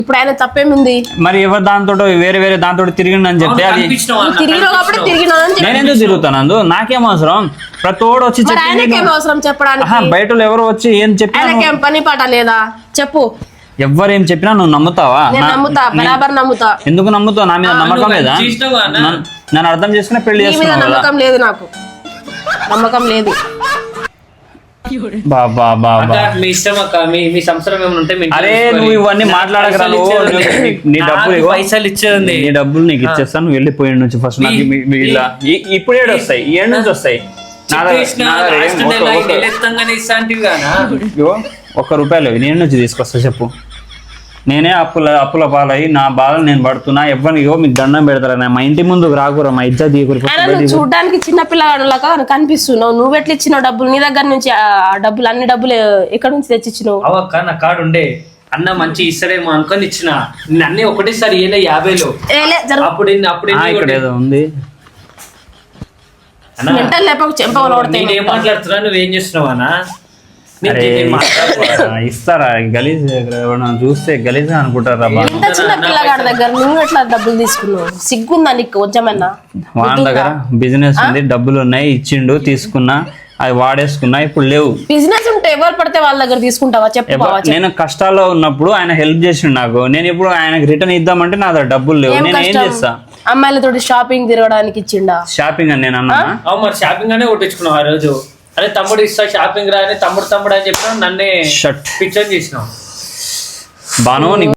ఇప్పుడు ఆయన తప్పేముంది? మరి ఎవరు దాంతో వేరే దాంతో తిరిగిండని చెప్తే అది నేను ఎందుకు తిరుగుతాను? నాకేం అవసరం? ప్రతోడు వచ్చి అవసరం చెప్పడానికి? బయట ఎవరు వచ్చి ఏం చెప్పినా పని పాట లేదా చెప్పు. ఎవరేం చెప్పినా నువ్వు నమ్ముతావా? నమ్ముతా, బరాబర్ నమ్ముతా. ఎందుకు నమ్ముతావు? నా మీద నమ్మకం లేదా? నన్ను అర్థం చేసుకునే పెళ్లి చేసుకున్నావు. నమ్మకం లేదు, నాకు నమ్మకం లేదు. అరే నువ్వు ఇవన్నీ మాట్లాడగరా? నీ డబ్బులు పైసలు ఇచ్చేది, నీ డబ్బులు నీకు ఇచ్చేస్తాను. నువ్వు వెళ్ళిపోయి నుంచి ఫస్ట్ ఇప్పుడు ఏడు వస్తాయి, ఏడు నుంచి వస్తాయి. ₹1 నేను నుంచి తీసుకొస్తా చెప్పు. నేనే అప్పుల పాలయ్యి నా బాధలు నేను పడుతున్నా. ఎవరిని మీకు దండం పెడతారా? మా ఇంటి ముందుకు రాకూరా, మా ఇజ్జత్ చూడడానికి చిన్న పిల్లగాడులాగా కనిపిస్తున్నావు. నువ్వు ఎట్లా ఇచ్చినావు డబ్బులు? నీ దగ్గర నుంచి డబ్బులు, అన్ని డబ్బులు ఎక్కడి నుంచి తెచ్చిచ్చినావు? అవక్క నా కాడు ఉండే అన్న మంచి ఇస్తాడేమో అనుకొని ఇచ్చిన. అన్ని ఒకటేసారి 50లో ఇక్కడ ఏదో ఉంది. నేనేం మాట్లాడుతున్నా, నువ్వేం చేస్తున్నావు అన్నా? ఇస్తారా? గలీజ్ చూస్తే గలీజ్ అనుకుంటారా? చిన్న పిల్లగాడి దగ్గర నువ్వు ఎట్లా డబ్బులు తీసుకున్నావు? సిగ్గుందా నీకు కొంచెమన్నా? వాళ్ళ దగ్గర బిజినెస్ ఉంది, డబ్బులు ఉన్నాయి, ఇచ్చిండు, తీసుకున్నా, అవి వాడేసుకున్నా. ఇప్పుడు లేవు. బిజినెస్ ఉంటే ఎవరు పడితే వాళ్ళ దగ్గర తీసుకుంటావా చెప్పు? నేను కష్టాల్లో ఉన్నప్పుడు ఆయన హెల్ప్ చేసిండు నాకు. నేను ఇప్పుడు ఆయనకి రిటర్న్ ఇద్దామంటే నా దగ్గర డబ్బులు లేవు. నేను ఏం చేస్తా? అమ్మాయిలతో షాపింగ్ తిరగడానికి ఇచ్చిండా? షాపింగ్ అని నేను అన్నా. మరి షాపింగ్ అనే కొట్టించుకున్నావు ఆ రోజు. అరే తమ్ముడు ఇస్తా షాపింగ్ రా అని తమ్ముడు అని చెప్పినా నన్నే పిక్చర్ చేసినావు. బాను